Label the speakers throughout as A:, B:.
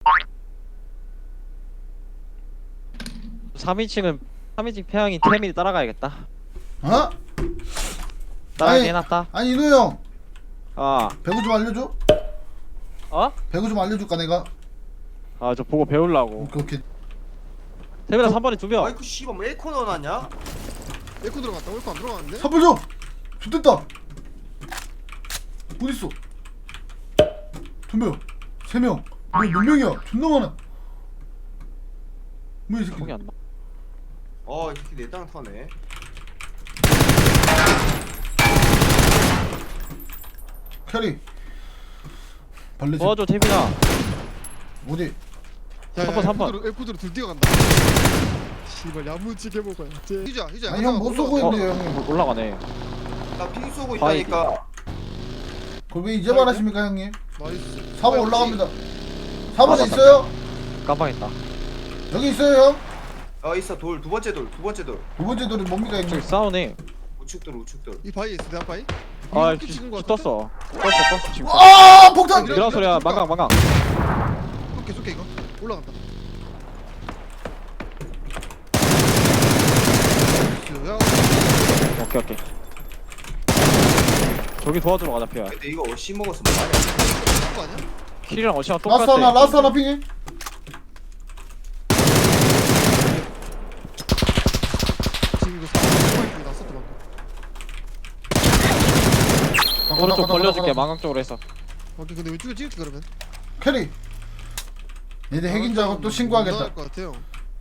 A: 3인칭은 3인칭 태양이 태민이 따라가야겠다.
B: 어?
A: 따라가게
B: 아니,
A: 해놨다.
B: 아니 인호 형
A: 아,
B: 배구 좀 알려줘?
A: 어?
B: 배구 좀 알려줄까 내가?
A: 아, 저 보고 배우려고.
B: 오케이 오케이.
A: 태민아 3번에 2명.
C: 아이쿠 씨발 뭐 에코 넣어놨냐?
D: 에코 들어갔다. 에코 안 들어갔는데?
B: 선물 줘! 좋됐다! 어딨어? 2명 3명 몇 명이야? 존나 많아. 뭐야 이 새끼.
A: 기억이 안 나.
C: 이 새끼 내 땅 타네.
B: 캐리 발레 집
A: 도와줘 태민아.
B: 어디?
D: 야,
A: 삼 번, 삼 번.
D: 에코드로 둘 뛰어간다. 씨발 야무지게 먹어야 돼. 휴자.
B: 아니 형 못 쏘고
A: 어?
B: 있는데 형님.
A: 올라가네.
C: 나 핑 쏘고
A: 바이.
C: 있다니까.
B: 그걸 왜 이제 말하십니까 형님?
D: 나이스.
B: 4번 올라갑니다. 4번에
A: 맞다.
B: 있어요?
A: 깜빡했다.
B: 여기 있어요 형?
C: 있어 돌 두 번째 돌.
B: 두 번째 돌이 뭡니까
A: 저기
B: 형님?
A: 싸우네.
C: 우측돌.
D: 이 바위 있어. 내 바위.
A: 아,
D: 이거 찍은 거
A: 떴어. 떴어 지금.
B: 아 폭탄!
A: 이런 소리야. 망강.
D: 쏠게 이거. 올라간다. 야,
A: 오케이. 저기 도와주러 가자 피야.
C: 근데 이거 어씨 먹었으면 뭐하냐?
D: 거 아니야?
A: 킬이랑 어시랑 똑같아.
B: 라스트 하나 핑해.
D: 지금 이거 사이트 났었다 방금.
A: 오른쪽 벌려줄게. 망강 쪽으로 해서.
D: 오케이 근데 왼쪽에 찍을게 그러면.
B: 캐리. 얘들 핵인 줄 알고 또 신고하겠다.
D: 것 같아요.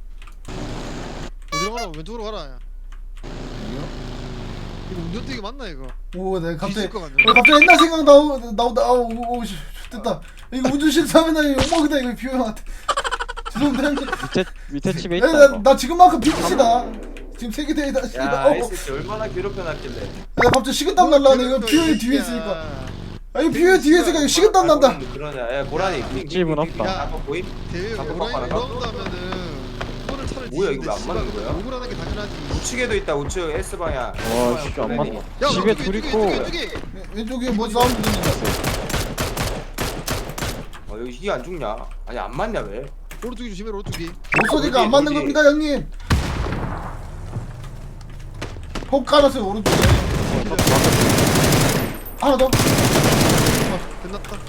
D: 어디로 가라? 왼쪽으로 가라. 야. 이거 운전대기 맞나 이거?
B: 오, 내가 갑자기
D: 뒤질 것 같네.
B: 갑자기 옛날 생각 나온다. 아우, 씨, 됐다. 이거 운전 실수하면 나 이거 욕먹이다 이거 비호 형한테. 죄송합니다 형님.
A: 밑에 집에
B: 아니,
A: 있다 이거.
B: 나 지금만큼 비키시다. 지금 세계 대회다.
C: 야, 이 새끼 얼마나 괴롭혀놨길래.
B: 야, 갑자기 식은땀 날라네. 이거 비호 형 뒤에 있으니까. 아니 비호 형 뒤에 있으니까 식은땀 난다.
C: 그러냐? 야 고라니.
A: 집은 없다.
C: 야, 보임?
D: 대회
C: 잠깐
D: 오라이
C: 봐라.
D: 이런다면은 이거를 차를
C: 뭐야, 이거 왜안 맞는 거야?
D: 욕을 하는 게 당연하지.
C: 우측에도 있다. 우측 S 방향.
A: 와, 진짜 안 맞네.
D: 야,
A: 집에
D: 왼쪽에,
A: 둘
D: 왼쪽에,
A: 있고.
D: 왼쪽에.
B: 왼쪽에 뭐 사운드 들린다.
C: 여기 이게 안 죽냐? 아니 안 맞냐 왜?
D: 오른쪽이 조심해 오른쪽이.
B: 못 쏘니까 안 맞는
C: 어디?
B: 겁니다 형님. 폭 깔았어요 오른쪽에. 하나 더.
D: 끝났다.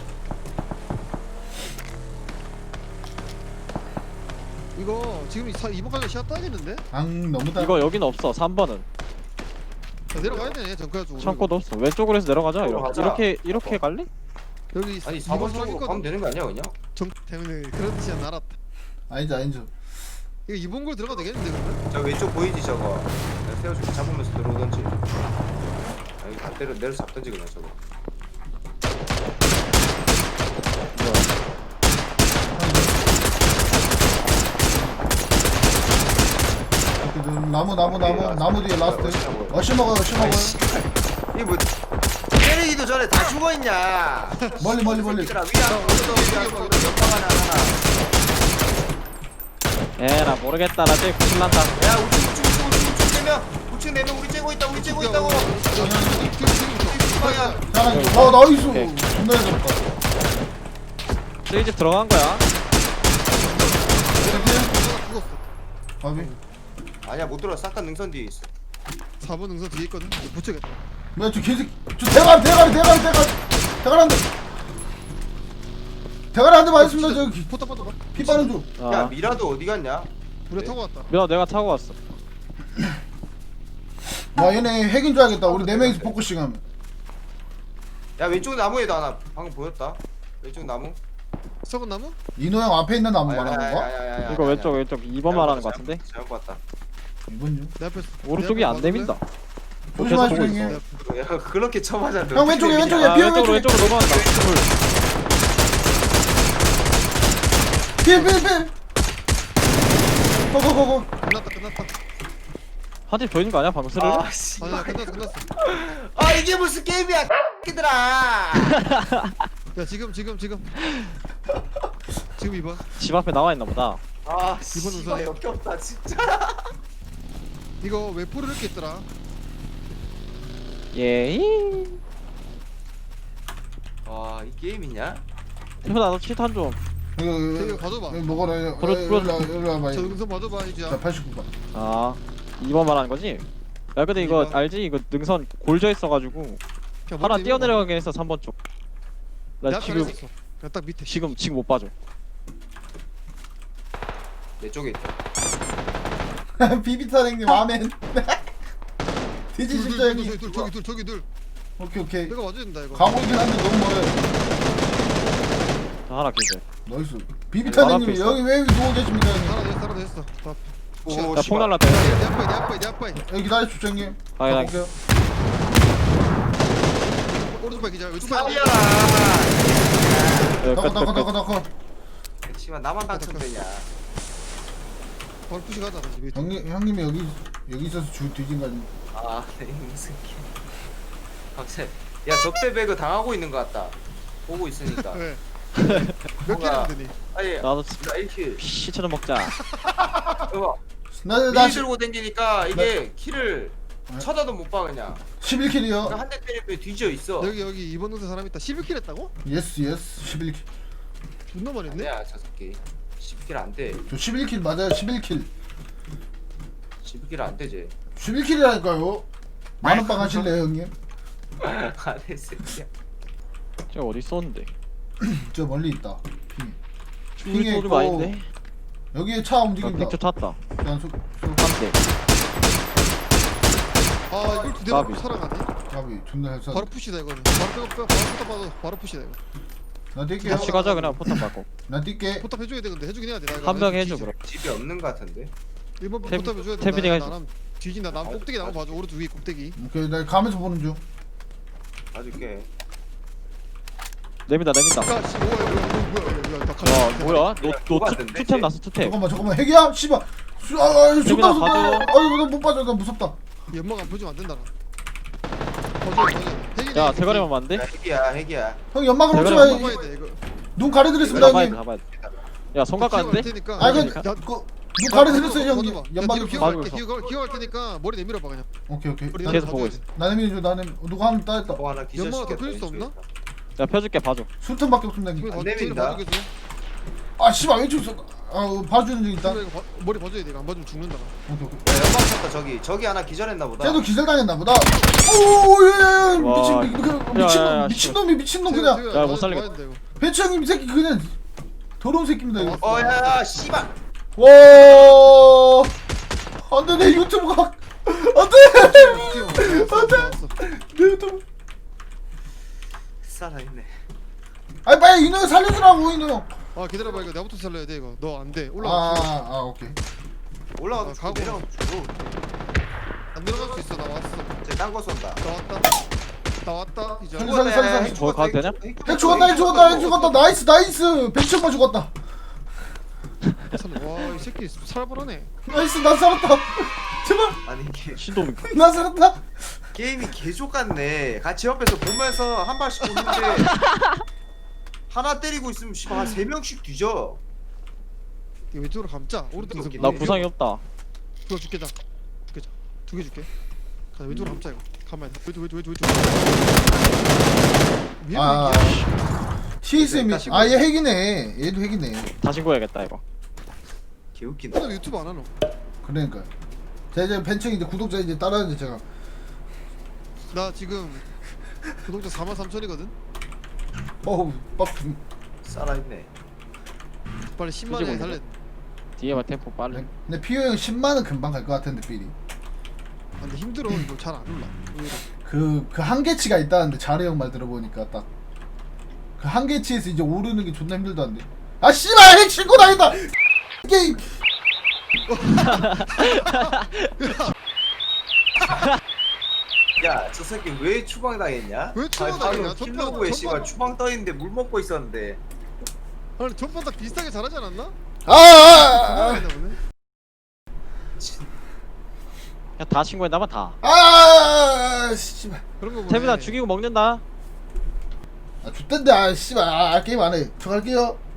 D: 이거 지금 이번 가게 시야 따지는데?
B: 앙 너무 다.
A: 이거 여기는 없어. 3번은.
D: 내려가야 되네 정크야 쪽으로.
A: 창고도 없어. 왼쪽으로 해서 내려가자.
C: 가자.
A: 이렇게 갈래?
D: 여기
C: 아니
D: 이번
C: 4번 쪽으로
D: 가게거든.
C: 가면 되는 거 아니야 그냥?
D: 정 때문에 그런 뜻이 알았다.
B: 아니죠.
D: 이거 이번 골 들어가도 되겠는데 그러면?
C: 저 왼쪽 보이지 저거? 내가 세워줄게 잡으면서 들어오던지. 여기 다 내려 잡던지 그냥 저거.
B: 나무 뒤에 라스트. 어시 먹어요.
C: 이게 뭐 때리기도 전에 다 죽어 있냐?
B: 멀리.
C: 얘들아 위안 오른쪽 옆방 하나.
A: 나 모르겠다. 나 제일 구슬난다.
C: 야 우측 4명. 우측 4명 우리 째고 있다고. 방향.
B: 자, 나이스.
A: 오케이.
B: 존나 잘 잡았다.
A: 저기 집 들어간 거야.
D: 죽었어.
B: 바비.
C: 아니야 못 들어. 싹다 능선 뒤에 있어.
D: 4번 능선 뒤에 있거든. 이거 붙여야겠다.
B: 뭐야 저 개새끼. 저 대가리 한 대. 대가리 한 대 맞았습니다. 저기
D: 포탑 봐.
B: 피 빠는 중.
C: 야
A: 아,
C: 미라도 어디 갔냐?
D: 우리 타고 왔다.
A: 내가 타고 왔어.
B: 와 얘네 핵인 줄 알겠다. 우리 4명이서 포커싱 하면.
C: 야 왼쪽 나무에도 하나 방금 보였다. 왼쪽 나무.
D: 썩은 나무?
B: 인호 형 앞에 있는 나무 말하는 건가?
A: 이거 왼쪽 2번 말하는 거 같은데?
C: 잘못 봤다.
B: 이번요.
D: 내 앞에.
A: 오른쪽이 안 됩니다.
B: 조심하시고
A: 보고
B: 형님.
C: 야 그렇게 쳐맞아.
B: 형, 왼쪽에.
A: 아, 왼쪽으로 넘어간다.
B: 필. 고고고고.
D: 끝났다.
A: 한 팀 더 있는 거 아니야? 방금 스르르?
C: 아 씨.
D: 아니야 끝났어.
C: 아 이게 무슨 게임이야, 끼들아.
D: 야 지금 2번.
A: 집 앞에 나와 있나 보다.
C: 아
D: 이번
C: 씨발
D: 우선.
C: 역겹다 진짜.
D: 이거 외포를 이렇게 있더라.
A: 예이.
C: 와이 게임이냐?
A: 태훈아 너 칠탄 좀.
D: 이거 봐줘봐.
B: 여기 먹어라.
A: 불어.
B: 여기 와봐.
D: 저 능선 봐줘봐 이지야.
B: 자 89번.
A: 아 2번 말하는 거지? 야 근데 이거
D: 이번.
A: 알지? 이거 능선 골져 있어가지고 하나 뛰어내려가게 해서 3번 쪽. 나
D: 나
A: 지금
D: 지금 그냥 딱 밑에.
A: 지금 못 봐줘.
C: 내 쪽에 있다.
B: 비비타랭님 아멘. 돼지 진짜 형님.
D: 저기 둘.
B: 오케이 오케이.
D: 내가 와줘야 된다 이거.
B: 가고 있긴 한데 너무 멀어요.
A: 자, 하나 기절.
B: 나이스. 비비타랭님
A: 있어.
B: 여기 왜 누워 계십니까 형님?
D: 하나 됐어. 다.
C: 오,
A: 야
C: 씨발.
A: 폭 날랐다.
D: 내 앞에.
B: 여기 기다려주십시오 형님.
A: 아니, 아니.
B: 가볼게요.
D: 오른쪽 기자. 왼쪽 발.
C: 삽이야.
B: 나가.
C: 씨발 나만 당첨되냐.
D: 바로 푸시 가자. 다시 밑에.
B: 형님이 여기 있어서 뒤진 거 아닙니까?
C: 아, 네, 무슨 개. 갑자기 야 적대 배그 당하고 있는 것 같다. 보고 있으니까.
D: 왜? 몇
C: 뭐가-
D: 개나 되니?
C: 아니,
A: 나도
C: 나 이렇게
A: 시처럼 먹자.
C: 이거
B: 나
C: 미 들고 댕기니까 이게 키를 쳐다도 못 봐 그냥.
B: 11킬이요.
C: 한 대 때리면 뒤져 있어.
D: 여기 2번 동생 사람 있다. 11킬 했다고?
B: 예스 11킬.
D: 존나 많이 했네.
C: 아니야 저 새끼. 10킬 안 돼.
B: 저 11킬 맞아요. 11킬.
C: 10킬 안 되지.
B: 11킬이라니까요. 만원빵 하실래요 형님?
C: 안돼 새끼야.
A: 저 어디 있었는데?
B: 저 멀리 있다. 핑.
A: 우리
B: 핑에
A: 소리가 아닌데?
B: 여기에 차 움직인다.
A: 픽 쫓았다.
B: 일단
A: 한 대.
D: 아 이걸 두 대만
A: 까비.
D: 살아가네.
B: 가비 존나 잘 쏴.
D: 바로 푸시다 이거는. 바로 빼고 바로 봐도 바로 푸시다 이거.
B: 나 뛸게요.
A: 같이 가자 그냥 포탄 받고.
B: 나 뛸게.
D: 포탑 해줘야 돼 근데 해주긴 해야 돼. 나 이거
A: 한 명
D: 뒤지-
A: 해줘 그럼.
C: 집이 없는 것 같은데.
D: 1번
A: 탭-
D: 포탑 해줘야 돼.
A: 탭이니까 해줘.
D: 나랑 뒤진다. 남 꼭대기 나무 봐줘. 오른쪽 위에 꼭대기.
B: 오케이 나 가면서 보는 중.
C: 봐줄게.
A: 내민다.
D: 야, 씨, 뭐야, 나
A: 와 뭐야?
C: 그거
A: 너
C: 같은데?
A: 투템 났어 투템.
B: 잠깐만 핵이야? 씨발. 존나
A: 재민아,
B: 무섭다.
A: 봐줘.
B: 아이고 나못 빠져. 나 무섭다.
D: 연막 안 보여주면 안 된다. 버져.
A: 야 대가리만 맞는데?
C: 야, 핵이야.
B: 형 연막을
A: 대가리
B: 놓지
A: 한번
B: 마.
D: 잡아야 돼 이거.
B: 눈 가려드렸습니다
A: 잡아야 돼
B: 형님.
A: 잡아야 돼. 야 손각 가는데?
D: 테니까.
B: 아
A: 그러니까.
B: 눈 가려드렸어요 형님. 연막이
D: 기어
A: 봐주고
D: 갈게.
A: 있어.
D: 기어 갈 테니까 머리 내밀어 봐 그냥.
B: 오케이.
D: 머리
A: 계속
D: 내밀어
A: 보고
D: 봐줘야
A: 있어.
D: 돼.
B: 나는 민주 나는 누가 한번 따였다.
C: 뭐 하나
D: 연막을
C: 기절시켰다.
D: 더 클 수 없나?
A: 야 펴줄게 봐줘.
B: 술탄밖에 없습니다 형님.
C: 안 내민다.
B: 아 씨발 왼쪽 있어. 아 봐주는 중 있다.
D: 머리 봐줘야 돼. 이거 안 봐주면 죽는다.
B: 오케이.
C: 야, 연막 쳤다 저기 하나 기절했나 보다.
B: 쟤도 기절당했나 보다. 오예예
A: 와.
B: 미친놈 그냥.
A: 야, 못 살리겠다.
B: 배추 형님 이 새끼 그냥 더러운 새끼입니다 이거.
C: 어야 씨발.
B: 와 안돼 내 유튜브가 안돼 내 유튜브.
C: 살아있네.
B: 아니 빨리 이놈 살려주라고 이놈.
D: 아 기다려봐 이거 내가부터 살려야 돼 이거. 너 안 돼. 올라가.
B: 아 오케이.
C: 올라가도
D: 아,
C: 죽고
D: 가고.
C: 내려가도 죽고.
D: 안 내려갈 수 있어. 나 왔어.
C: 쟤딴거 쏜다.
D: 나 왔다. 이제.
B: 살려.
A: 저거 가도 되냐?
B: 핵 죽었다 나이스 배추 형만 죽었다.
D: 와이 새끼 살벌하네.
B: 나이스 난 살았다. 제발
C: 아니 이게
A: 신동
B: 난 살았다.
C: 게임이 개족 같네. 같이 옆에서 보면서 한 발씩 오는데 하나 때리고 있으면 씨발 한 3명씩 뒤져.
D: 이거 왼쪽으로 감자. 오른쪽
C: 웃기네.
A: 나 구상이 없다.
D: 그거 줄게 자. 줄게 자. 2개 줄게. 가 왼쪽으로 감자 이거. 가만. 왼쪽.
B: 아
D: 미안해.
B: TSM이 아얘 핵이네. 얘도 핵이네.
A: 다 신고해야겠다 이거.
C: 개웃긴다.
D: 너 유튜브 안 하노?
B: 그러니까 제가 이제 벤층 이제 구독자 이제 따라하는데 제가
D: 나 지금 구독자 43,000이거든.
B: 어우 빡.
C: 살아있네.
D: 빨리 10만
A: 굳이
D: 원에
A: 몰라.
D: 살래.
A: 뒤에만 템포 빨리.
B: 근데 피오 형 10만은 금방 갈 것 같은데 삐리.
D: 아, 근데 힘들어. 이거 잘 안 올라. 의외로.
B: 그 한계치가 있다는데 자르 형 말 들어보니까 딱 그 한계치에서 이제 오르는 게 존나 힘들다는데. 아 씨발 핵 신고 다닌다. 게임.
C: 야, 저 새끼 왜 추방 당했냐?
D: 왜 추방 당했냐?
C: 킬로그에 씨발
D: 전반-
C: 추방 떠있는데 물 먹고 있었는데.
D: 아니 전반 딱 비슷하게 잘하지 않았나?
B: 아.
D: 했나 보네.
A: 그냥 다 신고했나봐 다.
B: 씨발.
D: 그런 거 보네.
A: 태민아 죽이고 먹는다.
B: 아 좋던데 아 씨발 게임 안 해. 저 갈게요.